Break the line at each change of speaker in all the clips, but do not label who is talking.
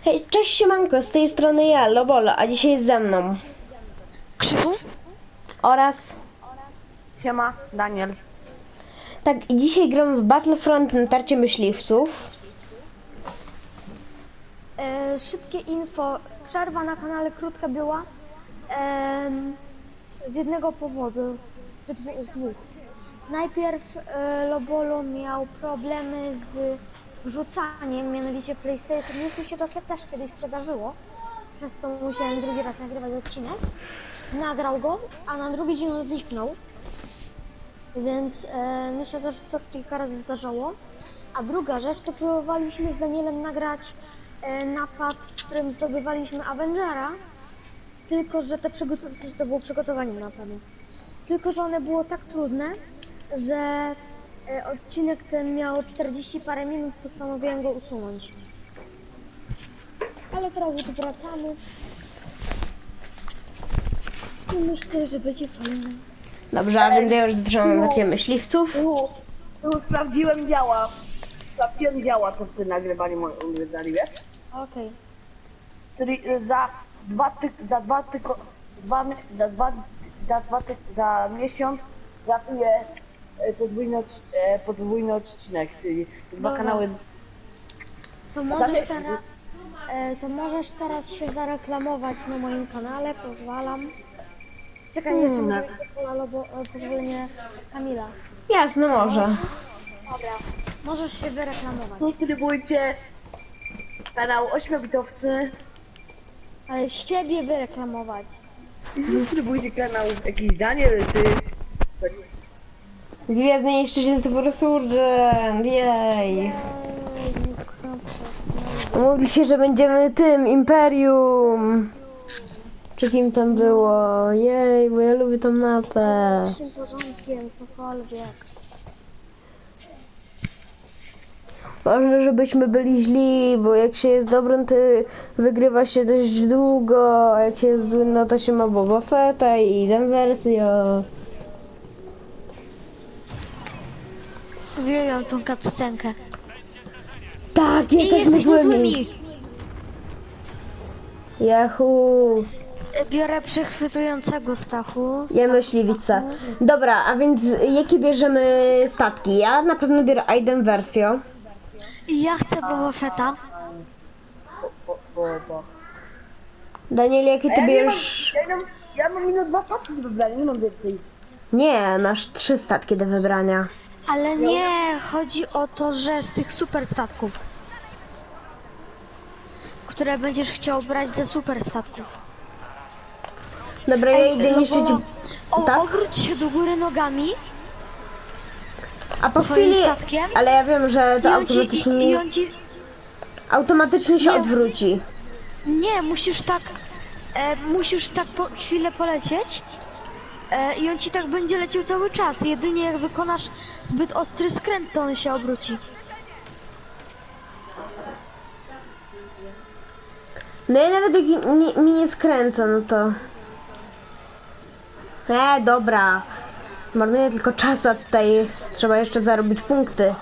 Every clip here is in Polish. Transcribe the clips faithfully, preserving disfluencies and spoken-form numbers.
Hej, cześć siemanko, z tej strony ja, Lobolo, a dzisiaj jest ze mną.
Krzychu?
Oraz...
Siema, Daniel.
Tak, i dzisiaj gramy w Battlefront na tarcie myśliwców.
E, szybkie info. Przerwa na kanale krótka była. E, z jednego powodu. Z, dwu, z dwóch. Najpierw e, Lobolo miał problemy z wrzucaniem, mianowicie PlayStation. Już mi się to też kiedyś przydarzyło. Przez to musiałem drugi raz nagrywać odcinek. Nagrał go, a na drugi dzień on zniknął. Więc e, myślę, że to kilka razy zdarzało. A druga rzecz, to próbowaliśmy z Danielem nagrać e, napad, w którym zdobywaliśmy Avengera. Tylko, że te przygotowanie, to było przygotowanie napadu. Tylko, że one było tak trudne, że e, odcinek ten miał czterdzieści parę minut, postanowiłem go usunąć. Ale teraz już wracamy. I myślę, że będzie fajnie.
Dobrze, a więc ja już zaczynam na tarcie myśliwców.
Tu, tu sprawdziłem działa. Sprawdziłem działa to przy nagrywaniu moim wydali, wiesz?
Okej.
Czyli y, za dwa tyk, za dwa tyko, dwa, mi- za dwa, za dwa tyk, za miesiąc ratuję y, podwójny, odc- y, podwójny odcinek, czyli dwa
Dobra.
kanały.
To możesz
Dalej-
teraz, e, to możesz teraz się zareklamować na moim kanale, pozwalam. Czekaj, jeszcze
Hmm.
muszę mieć pozwolenie, bo, e, pozwolenie od Kamila.
Jasne, może.
Dobra, możesz się wyreklamować.
Subskrybujcie kanał Ośmiobitowcy
Ale siebie wyreklamować.
i subskrybujcie kanał jakiś Daniel, ty.
Gwiezdny niszczyciel to po prostu urgent, jej. Mówi się, że będziemy tym, Imperium. Czy kim tam było? Jej, bo ja lubię tą mapę.
Naszym porządkiem, cokolwiek.
Ważne, żebyśmy byli źli, bo jak się jest dobrym, to wygrywa się dość długo, a jak się jest złym, no to się ma Boba Fetta i tę wersję.
Uwielbiam tą cutscenkę.
Tak,
I
jesteśmy
jesteśmy
złymi.
złymi.
Yahoo!
Biorę przechwytującego Stachu.
Ja myśliwica. Dobra, a więc jakie bierzemy statki? Ja na pewno biorę Aiden Versio.
I ja chcę Boba Fetta.
Bo, bo, bo.
Daniel, jakie
A
ty
ja, nie mam,
bierzesz?
ja, nie mam, ja mam minut dwa statki do wybrania, nie mam więcej.
Nie, masz trzy statki do wybrania.
Ale nie, chodzi o to, że z tych super statków, które będziesz chciał brać ze super statków.
Dobra, ja idę
no
niszczyć...
bo- O,
Tak?
obróć się do góry nogami
A po
swoim
chwili...
statkiem
Ale ja wiem, że
i
to
on ci, i,
automatycznie...
i on ci...
Automatycznie się
Nie.
odwróci.
Nie, musisz tak... E, musisz tak po, chwilę polecieć e, i on ci tak będzie leciał cały czas. Jedynie jak wykonasz zbyt ostry skręt, to on się obróci.
No i nawet jak mi, mi nie skręca, no to... E, dobra. Marnuję tylko czas, a tutaj trzeba jeszcze zarobić punkty.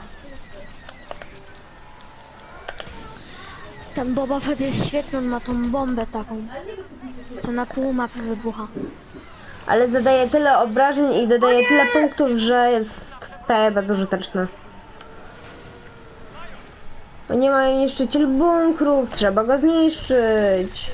Ten Boba Fett jest świetny, on ma tą bombę taką, co na pół mapy wybucha.
Ale zadaje tyle obrażeń i dodaje tyle punktów, że jest prawie bardzo użyteczne. Bo nie ma niszczyciel bunkrów, trzeba go zniszczyć.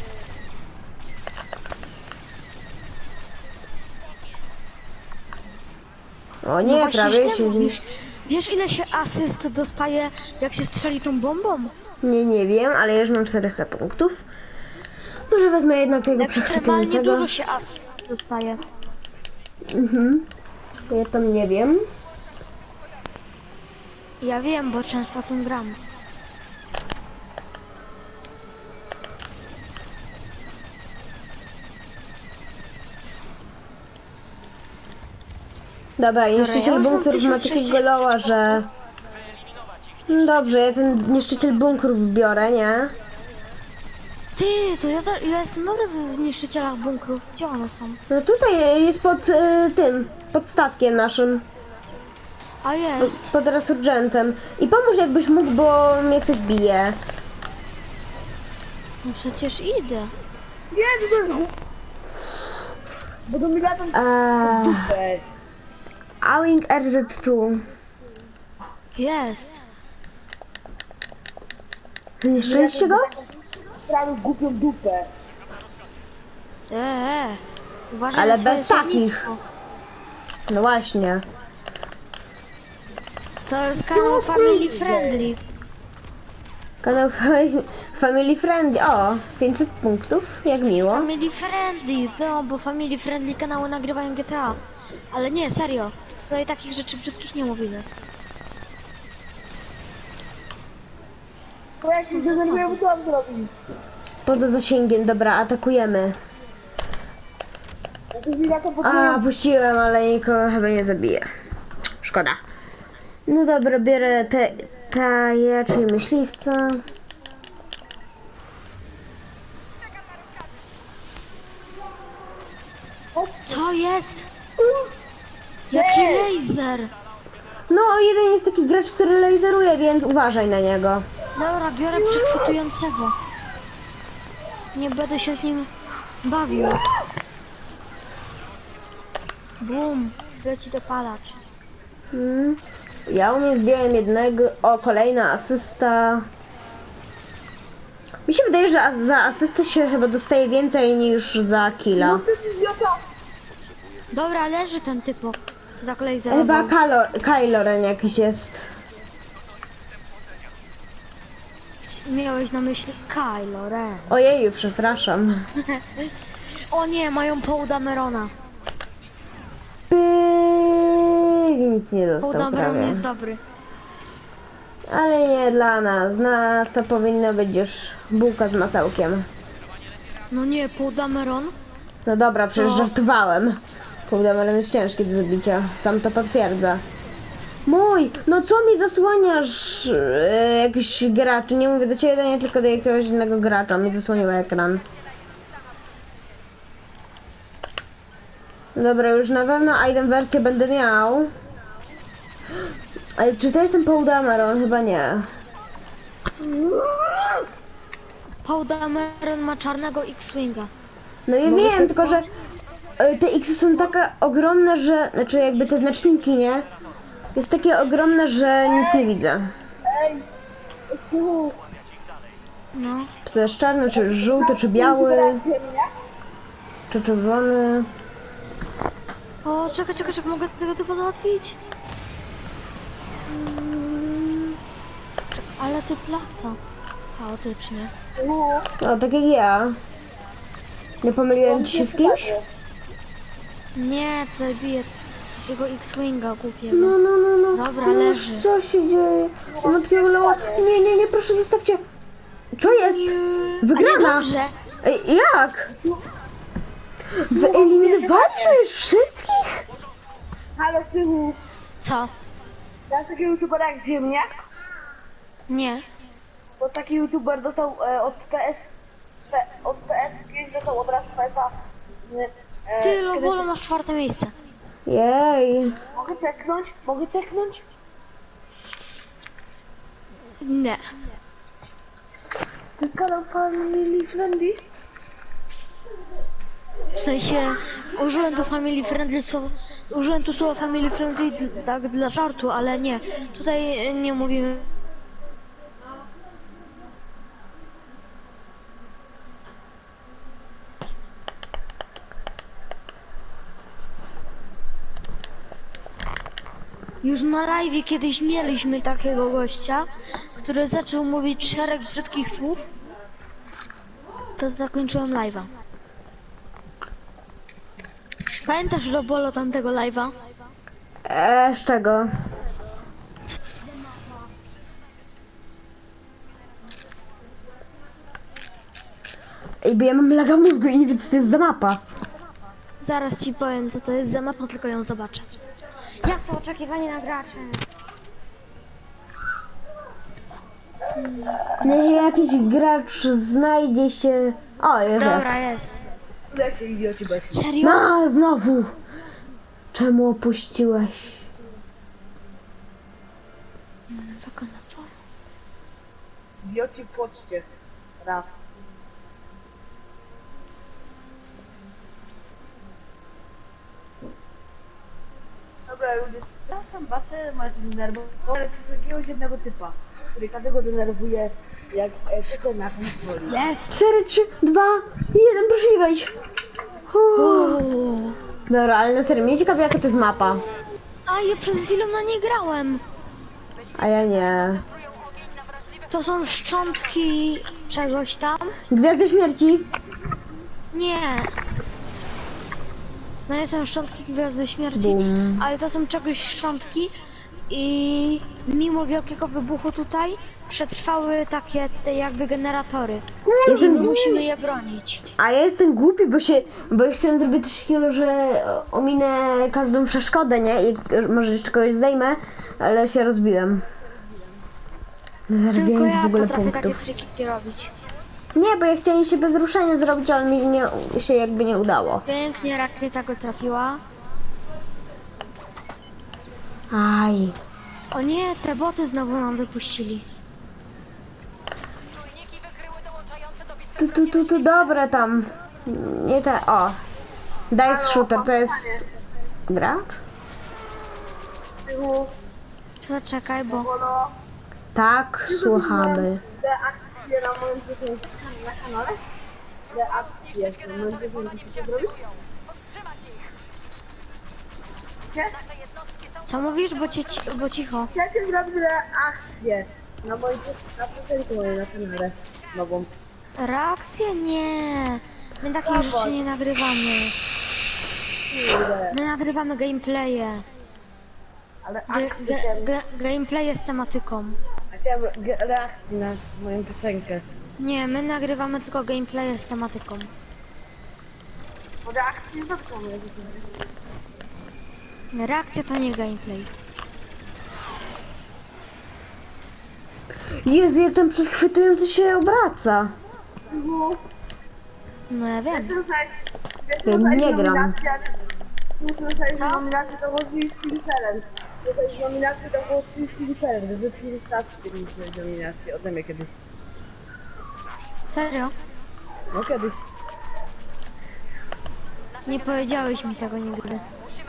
O nie,
No właśnie
prawie
źle
się...
mówisz. Wiesz, ile się asyst dostaje, jak się strzeli tą bombą?
Nie, nie wiem, ale ja już mam czterysta punktów. Może wezmę jednak tego
Ekstremalnie
przechwytującego.
dużo się asyst dostaje.
Mhm. Ja tam nie wiem.
Ja wiem, bo często tym gram.
Dobra,
ja
niszczyciel
już mam
bunkrów ma
tysiąc
takiego loła, że... No dobrze, ja ten niszczyciel bunkrów biorę, nie?
Ty, to ja, da- ja jestem dobry w niszczycielach bunkrów. Gdzie one są?
No tutaj jest pod y, tym, pod statkiem naszym,
A jest.
pod resurgentem. I pomóż jakbyś mógł, bo mnie ktoś bije.
No przecież idę.
Nie, to jest głup... Bo to mi latam
Eee,
dupę.
Awing R Z dwa.
Jest.
Nieszczęście go?
Prawie głupią dupę.
Eee, uważaj
Ale
na swoje
bez takich.
słownictwo.
No właśnie.
To jest kanał family friendly.
Kanał fa- Family Friendly. O, pięćset punktów, jak miło.
Family friendly, no bo family friendly kanały nagrywają G T A. Ale nie, serio. Tutaj takich rzeczy brzydkich nie mówimy.
Bo ja się denerwuję, co mam zrobić.
Poza zasięgiem, dobra, atakujemy.
Ja to mi latam po
A, puściłem, ale nikogo chyba nie zabiję. Szkoda. No dobra, biorę te, taje, czyli myśliwca.
Co jest? Jaki laser?
No, jeden jest taki gracz, który laseruje, więc uważaj na niego.
Dobra, biorę przechwytującego. Nie będę się z nim bawił. Bum, leci dopalacz.
Hmm. Ja u mnie zdjąłem jednego. O, kolejna asysta. Mi się wydaje, że as- za asystę się chyba dostaje więcej niż za killa.
idiota.
Dobra, leży ten typo, co tak laserował.
Chyba Kylo, Kylo Ren jakiś jest.
Miałeś na myśli Kylo Ren.
Ojeju, przepraszam.
O nie, mają Paul Damerona.
Pyk, nic nie
Paul
dostał
Dameron
prawie.
jest dobry.
Ale nie dla nas. Nas to powinno być już bułka z masełkiem.
No nie, Paul Dameron?
No dobra, przecież
No.
żartowałem. Kurde, ale jest ciężki do zabicia. Sam to potwierdza. Mój, no co mi zasłaniasz e, jakiś gracz? Nie mówię do ciebie, nie tylko do jakiegoś innego gracza. Mi zasłonił ekran. Dobra, już na pewno item wersję będę miał. Ale czy to jest ten Paul Dameron? Chyba nie.
Paul Dameron ma czarnego X-Winga.
No ja wiem, tylko że e, te X są takie ogromne, że... Znaczy jakby te znaczniki, nie? Jest takie ogromne, że nic nie widzę.
Ej, słuchaj.
No.
Czy to jest czarny, czy żółty, czy biały, czy czerwony.
O, czekaj, czekaj, czekaj, mogę tego typu załatwić. Mm, czekaj, ale ty plata. Chaotycznie.
No, tak jak ja. Nie pomyliłem ci się z kimś?
Nie, tutaj bije takiego X-Winga głupiego.
No, no, no, no.
Dobra,
no,
leży.
Co się dzieje? Matko Leła. Nie, nie, nie, proszę zostawcie. Co jest?
A
Wygrana.
niedobrze.
Ej, jak? Wyeliminowaliśmy już wszystkich?
Halo, Sychu.
Co?
Ja taki youtuber jak Ziemniak,
Nie.
bo taki youtuber dostał e, od P S, P, od P S kiedyś dostał od razu P S a. E,
Ty,
kiedy-
Lobolo, masz czwarte miejsce.
Jej.
Mogę ceknąć? Mogę ceknąć?
Nie.
To jest kanał Family Friendly?
W sensie, użyłem tu family friendly słowo, użyłem tu słowa family friendly dl- tak dla żartu, ale nie. Tutaj nie mówimy. Już na live kiedyś mieliśmy takiego gościa, który zaczął mówić szereg brzydkich słów. To zakończyłem live'a. Pamiętasz, Lobolo, tamtego live'a?
Eee, z czego? Ej, bo ja mam laga mózgu i nie wiem, co to jest za mapa.
Zaraz ci powiem, co to jest za mapa, tylko ją zobaczę. Jak to oczekiwanie na graczy?
Niech jakiś gracz znajdzie się... O, już jest.
Dobra, jest.
Jak się idioci bez.
Serio?
No, znowu! Czemu opuściłeś?
Tylko na to.
Idioci płoczcie. Raz. Dobra, ludzie, ja sam basę macie denerwować, ale przez jakiegoś jednego typa, który każdego denerwuje, jak e, tylko na kontroli.
Jest!
cztery, trzy, dwa, jeden, proszę nie wejść.
Uuu.
Dobra, ale na serio, mnie ciekawi jaka to jest mapa.
A ja przed chwilą na niej grałem.
A ja nie.
To są szczątki czegoś tam.
Gwiazdy śmierci.
Nie. No nie są szczątki Gwiazdy Śmierci,
Bum.
ale to są czegoś szczątki i mimo wielkiego wybuchu tutaj przetrwały takie te jakby generatory. I
Jestem,
my musimy je bronić.
a ja jestem głupi, bo się, bo ja chciałem zrobić coś takiego, że ominę każdą przeszkodę, nie? I może jeszcze kogoś zdejmę, ale się rozbiłem.
Tylko
Zarabiając w
ja
ogóle
potrafię takie
punktów.
triki robić.
Nie, bo ja chciałem się bez ruszenia zrobić, ale mi nie, się jakby nie udało.
Pięknie rakieta go trafiła.
Aj.
O nie, te boty znowu nam wypuścili.
Tu, tu, tu, tu, dobre tam. Nie te, o. Dice Shooter, to jest... Gracz?
Tyłu,
To czekaj, bo...
polo,
Tak, słuchamy.
te akcje na moim dziesięciu na kanale? Te akcje na moim dziesięciu co zrobić? Nie?
Co mówisz, bo, cię, bo cicho.
Chcecie zrobić reakcję na moim na piosenkę mojej na kanale nową.
Reakcje? Nie. My takich
Dawaj.
rzeczy nie nagrywamy.
Kurde,
My nagrywamy gameplaye.
ale
Ge,
akcję
ge,
chciałem,
ge, gameplaye z tematyką.
chciałem ge- reakcji na moją piosenkę.
Nie, my nagrywamy tylko gameplaye z tematyką.
Bo reakcji to co mówię.
Reakcja to nie gameplay.
Jezu, jak ten przechwytujący się obraca.
No ja wiem.
Nie gram.
Muszę zostać
Co?
nominację do World Film Challenge. To jest nominacja do World Film Challenge. Że film stawki mieć nominację ode mnie kiedyś.
Serio?
No kiedyś.
Nie powiedziałeś mi tego nigdy.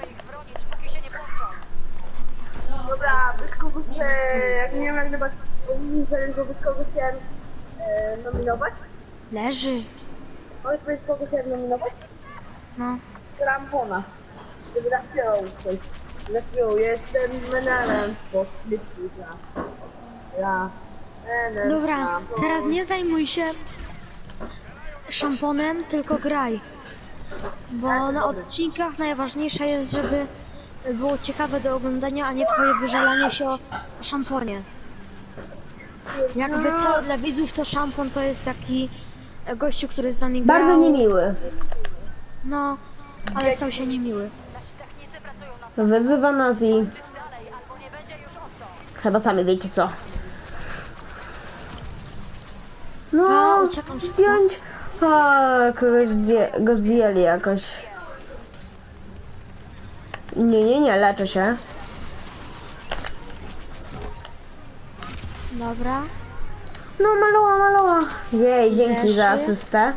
Dobra, bez kogo chcę, jak nie wiem jak nagrywać World Challenge, to bez kogo chciałem e, nominować?
Leży.
Powiedz bez kogo chciałem nominować?
No.
Rampona. Żeby zaśpiewał coś. Zaśpiewał, jestem menelem po śliczku za. Ja. Menel,
Dobra,
rampon.
teraz nie zajmuj się szamponem, tylko graj. Bo na odcinkach najważniejsze jest, żeby było ciekawe do oglądania, a nie twoje wyżalanie się o szamponie. Jakby co, dla widzów to szampon to jest taki gościu, który z nami grał.
Bardzo niemiły.
No, ale stał się niemiły.
Wyzywa nas i... Chyba sami wiecie co.
A,
No,
uciekam szybko.
zdjąć... A, kogoś zdję, go zdjęli jakoś. Nie, nie, nie, leczę się.
Dobra.
No, maloła, maloła. Jej, dzięki za
Leży.
asystę.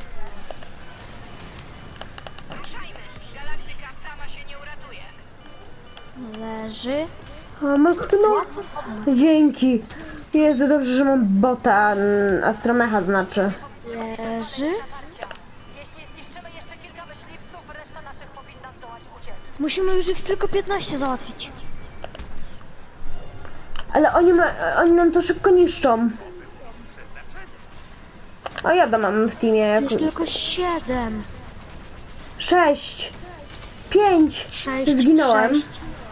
Leży.
A, ma- no,
Łatwo schodzą.
dzięki. Jezu, dobrze, że mam bota, mm, astromecha znaczy.
Leży.
Jeśli zniszczymy jeszcze kilka myśliwców, reszta naszych powinna zdołać uciec.
Musimy już ich tylko piętnaście załatwić.
Ale oni, ma, oni nam to szybko niszczą. O, ja to mam w teamie
Już
jako...
tylko siedem.
Sześć. Pięć.
Sześć.
Zginąłem.
Sześć.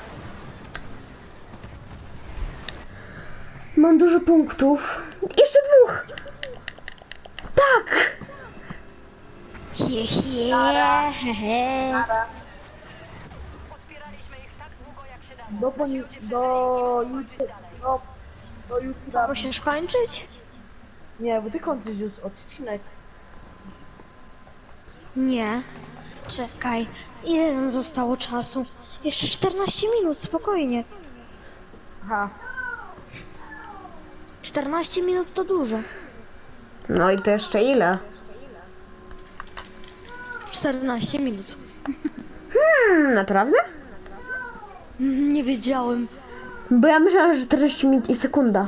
Mam dużo punktów. Jeszcze dwóch. Tak.
He, he, he, he.
Podpieraliśmy ich tak długo, jak się dało.
Do, poni- do YouTube, do, do
Co,
YouTube'a.
musisz kończyć?
Nie, bo ty kończysz już odcinek.
Nie. Czekaj. Ile nam zostało czasu? Jeszcze czternaście minut, spokojnie.
Aha.
czternaście minut to dużo.
No i to jeszcze ile?
czternaście minut.
Hmm, naprawdę?
Mm, Nie wiedziałem.
Bo ja myślałam, że czterdzieści minut i sekunda.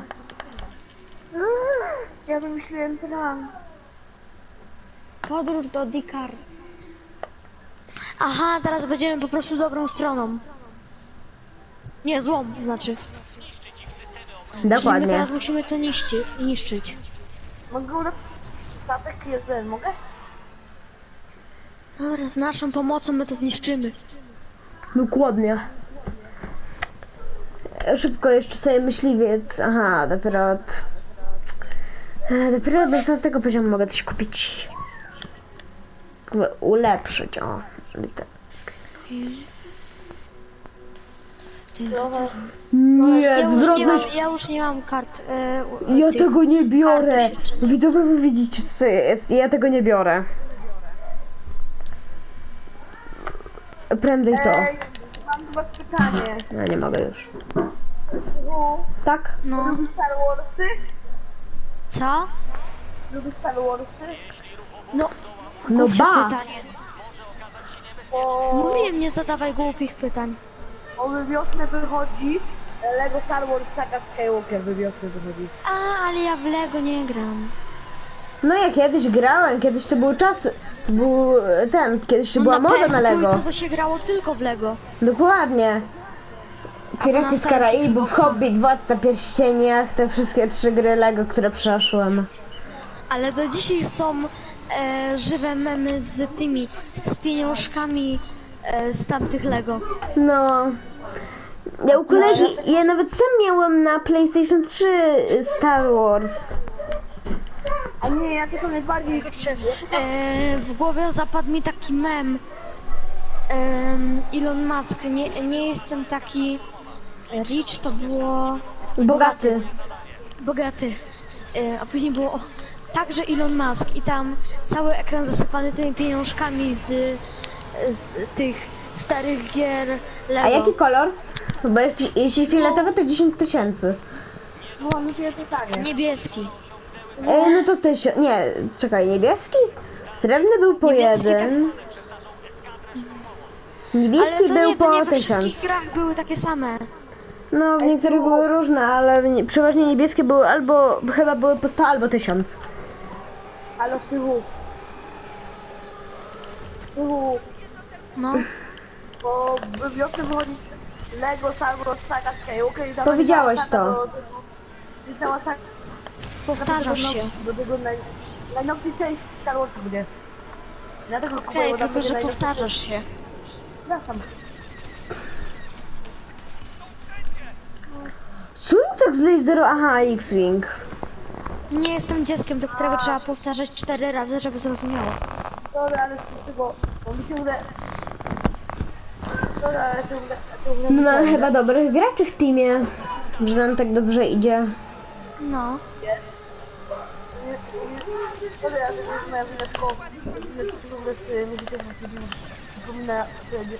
Ja wymyśliłem plan.
Podróż do Dikar. Aha, teraz będziemy po prostu dobrą stroną. Nie, złą, znaczy. Czyli my
Dokładnie.
teraz musimy to niszczy, niszczyć.
Mogę ulepszyć statek jeden, mogę?
Dobra, z naszą pomocą my to zniszczymy.
Dokładnie. Szybko jeszcze sobie myśliwiec. Aha, dopiero od... e, Dopiero od następnego poziomu mogę coś kupić. Jakby ulepszyć, o. i tak.
Trochę.
Nie,
Ja już nie mam,
zwrotność...
ja już nie mam kart. E, u-
Ja
tych
tego nie biorę.
kart doświadczenia.
Widzowie, wy widzicie co jest. Ja tego nie biorę. Prędzej to.
Ej, mam do was pytanie.
No nie mogę już.
Synu,
Tak?
No,
lubisz Star Warsy?
co?
Lubisz Star Warsy?
No,
No
głupie
ba.
pytanie.
Bo,
Mówiłem, nie zadawaj głupich pytań.
bo we wiosnę wychodzi Lego Star Wars Saga Skywalker we wiosnę wychodzi.
A, ale ja w Lego nie gram.
No ja kiedyś grałem, kiedyś to był czas, to był ten, kiedyś to
No
była moda na
P S trzy
Lego.
to się grało tylko w Lego.
Dokładnie. Piraci
na
z
starych
Karaibów,
Xboxach.
Hobbit, Władca Pierścieniach, te wszystkie trzy gry Lego, które przeszłem.
Ale do dzisiaj są e, żywe memy z tymi, z pieniążkami e, z tamtych Lego.
No. Ja u kolegi, ja nawet sam miałem na PlayStation trzy Star Wars.
A nie, ja tylko najbardziej...
E, w głowie zapadł mi taki mem. Em, Elon Musk, nie, nie jestem taki rich, to było
Bogaty.
bogaty. E, a później było o, także Elon Musk i tam cały ekran zasypany tymi pieniążkami z, z tych starych gier Lego.
A jaki kolor? Bo jeśli, jeśli fioletowy to dziesięć tysięcy.
Mam już jedno pytanie.
Niebieski.
E, no to tysiąc. Nie, czekaj, niebieski? Srebrny był po
Niebieski
jeden.
Ale
Niebieski
to
był
nie, to nie
po
we
tysiąc.
wszystkich grach były takie same.
No, w niektórych były różne, ale w nie, przeważnie niebieskie były albo, chyba były po sto albo tysiąc.
Halo, Sychu. Sychu,
No.
bo we wiosnę wychodzi Lego Star Wars Saga Skywalker i tam
Powiedziałeś
będzie cała
to.
saga do- I cała saga
Powtarzasz
do
się.
tego, do tego naj, najnowszej części Star Warsu będzie. Dlatego kupuję,
Okej,
bo tam
tylko
będzie
że
najnowsza
powtarzasz się.
część. Przepraszam.
Co mi tak z laseru? Aha, X-Wing.
Nie jestem dzieckiem, do którego trzeba powtarzać cztery razy, żeby zrozumiało.
Dobra, ale z tego, bo mi się uda... Dobra, ale to uda... To uda
No mamy chyba dobrych graczy w teamie, że nam tak dobrze idzie.
No.
Dobra, ja to jest moja wina, tylko w ogóle sobie nie widzę, że przypomina wtedy.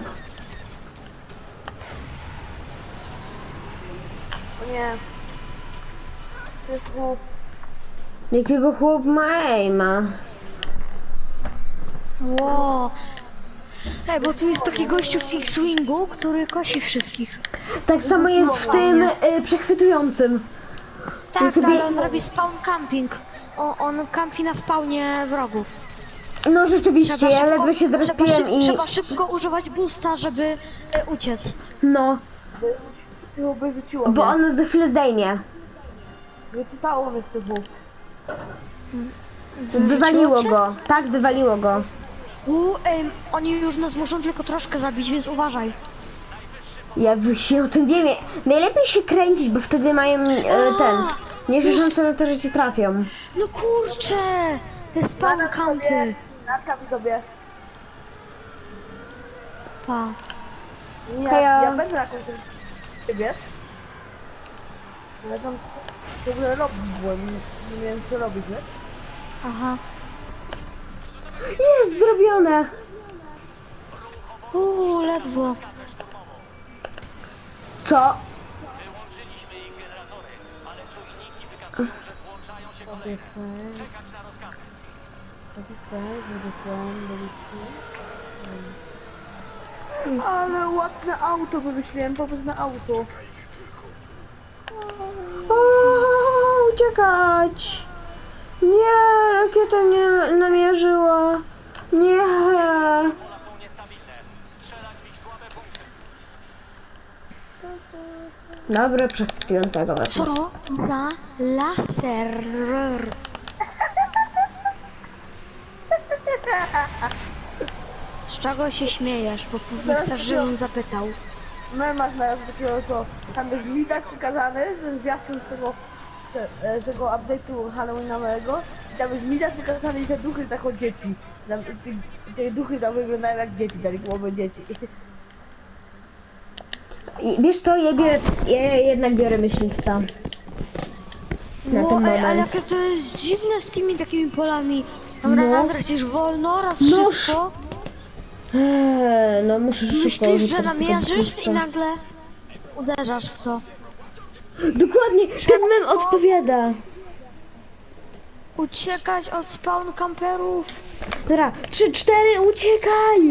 O nie. To jest chłop.
Jakiego chłop ma aima?
Ło. Ej, bo tu jest taki gościu w X-Wingu, który kosi wszystkich.
Tak samo jest w tym y, przechwytującym.
Tak,
sobie-
ale on robi spawn camping. O, on kampi na spawnie wrogów.
No rzeczywiście, ja ledwo się
trzeba,
zrespiłem
szyb,
i...
trzeba szybko używać boosta, żeby e, uciec.
No,
Chyba by rzuciło
bo
mnie.
on za chwilę zdejmie.
Wyczytało mnie z tyłu.
Wywaliło go. Tak, wywaliło go.
U, ej, oni już nas muszą tylko troszkę zabić, więc uważaj.
Ja się o tym wiem. Najlepiej się kręcić, bo wtedy mają e, ten... Nie szanse na to, że cię trafią.
No kurczę! Te spawn
Natka
campy.
sobie, natka mi sobie.
Pa.
Nie,
Hejo.
ja będę na końcu. Ty wiesz? Ja tam w ogóle robić byłem, nie, nie wiem co robić, wiesz?
Aha.
Jest zrobione.
Uuu, ledwo.
Co?
Sobie fajnie. Sobie fajnie, żeby plan, żeby Ale ładne auto wymyśliłem, pomysł na auto.
O, uciekać! Nie, rakieta mnie namierzyła. Nie.
Są niestabilne. Strzelać w ich słabe punkty.
Dobra, przechwyciłem tego wezmę.
Co za laser? Z czego się śmiejesz? Bo pewnie chcesz, żebym zapytał.
Mema znalazł takiego, co tam jest widać pokazany, ten zwiastun z tego, z, e, z tego update'u halloweenowego i tam jest widać pokazane i te duchy tak od dzieci. Tam, te, te duchy tam wyglądają jak dzieci, tak głowy dzieci.
I wiesz co, ja, biorę, ja jednak biorę myśliwca. Na
No,
ten
ej, ale
moment.
jakie to jest dziwne z tymi takimi polami. Dobra,
No.
raz lecisz wolno, raz
No,
szybko.
Eee, no muszę szybko
Myślisz,
użyć
że
tego
namierzysz
myśliwca.
i nagle uderzasz w to.
Dokładnie, ten mem odpowiada.
Uciekać od spawn camperów.
Dobra, trzy, cztery, uciekaj!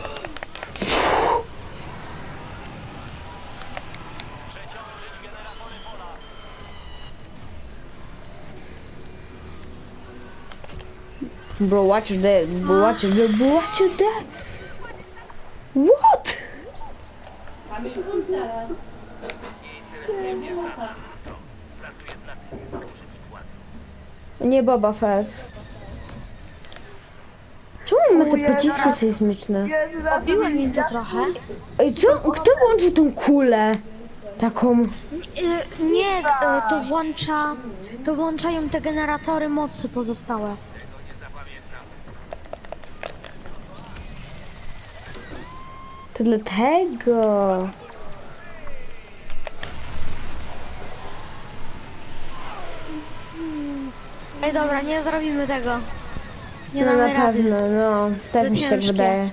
Przeciążyć generatory pola.
Bro, watch that, bro, watch that, bro, watch that. What? Nie Boba Fett. Czemu on ma te pociski sejsmiczne?
Obiłem mi to trochę.
Ej, co? Kto włączył tą kulę? Taką...
Y, nie, y, to włącza, to włączają te generatory mocy pozostałe.
To dlatego.
Ej, dobra, nie zrobimy tego. Nie
No na
damy rady.
pewno, no. Też
To
mi się tak
ciężkie.
wydaje.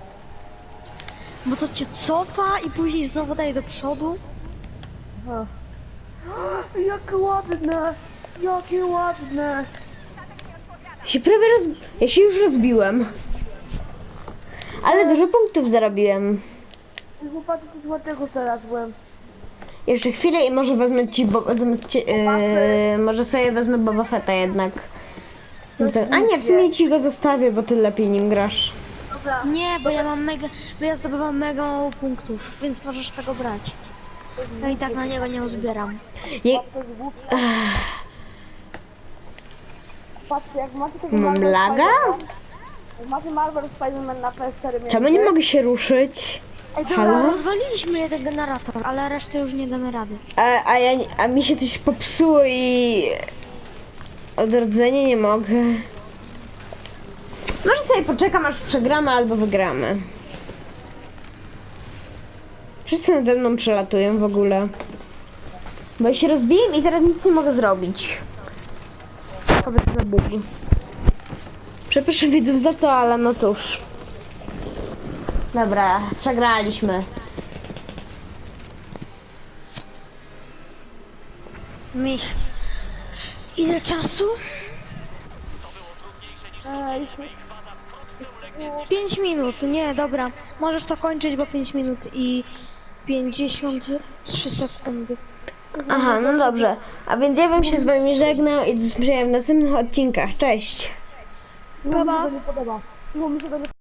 Bo to cię cofa i później znowu daje do przodu.
Aha. Jakie ładne! Jakie ładne!
Ja się prawie roz... Ja się już rozbiłem. Ale dużo punktów zarobiłem.
Chłopacy, coś ładnego teraz byłem.
Jeszcze chwilę i może wezmę ci, bo... zamiast ci yy, może sobie wezmę Boba Fetta jednak. Co- A nie, w sumie ci go zostawię, bo ty lepiej nim grasz.
Dobra,
Nie, bo ja mam mega, bo ja zdobywam mega mało punktów, więc możesz tego brać. Ja i tak na niego nie uzbieram.
Je...
to jest głupie. Patrzcie, jak macie tego
Mam
Marvel
laga?
Spider-Man- Jak macie Marvel Spider-Man na P S cztery
Czemu nie mogę się ruszyć?
Ej, dobra,
Halo?
rozwaliliśmy jeden generator, ale reszty już nie damy rady.
A, a, ja, nie- a mi się coś popsuło i... Odrodzenie nie mogę. Może sobie poczekam, aż przegramy albo wygramy. Wszyscy nade mną przelatują w ogóle. Bo ja się rozbiłem i teraz nic nie mogę zrobić. Powiedz na Bóg. Przepraszam widzów za to, ale no cóż. Dobra, przegraliśmy.
Mich. Ile czasu?
Ej,
Pięć minut, nie, dobra. Możesz to kończyć, bo pięć minut i pięćdziesiąt trzy sekundy.
Aha, no dobrze. A więc ja bym się z wami żegnał i do zobaczenia w następnych odcinkach. Cześć!
mi się to nie podoba. Bo mi się to nie